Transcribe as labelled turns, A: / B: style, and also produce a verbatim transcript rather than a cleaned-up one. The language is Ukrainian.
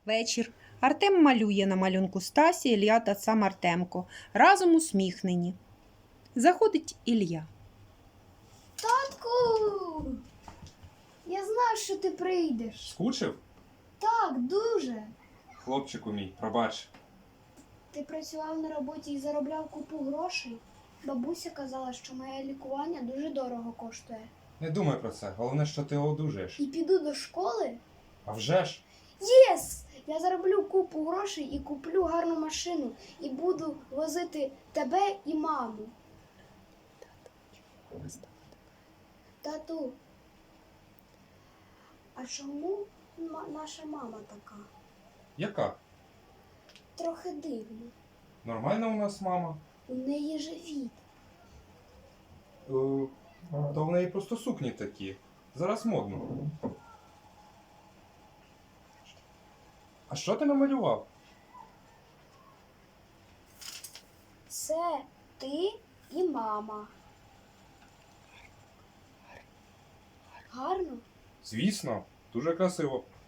A: Вечір. Артем малює на малюнку Стасі, Ілля та сам Артемко. Разом усміхнені. Заходить Ілля.
B: Татку! Я знав, що ти прийдеш.
C: Скучив?
B: Так, дуже.
C: Хлопчику мій, пробач.
B: Ти працював на роботі і заробляв купу грошей. Бабуся казала, що моє лікування дуже дорого коштує.
C: Не думай про це, головне, що ти одужаєш.
B: І піду до школи?
C: А вже ж?
B: Єс! Я зароблю купу грошей і куплю гарну машину. І буду возити тебе і маму. Тату, а чому ма- наша мама така?
C: Яка?
B: Трохи дивно.
C: Нормальна у нас мама.
B: У неї живіт.
C: Е, то в неї просто сукні такі. Зараз модно. А що ти намалював?
B: Це ти і мама. Гарно?
C: Звісно, дуже красиво.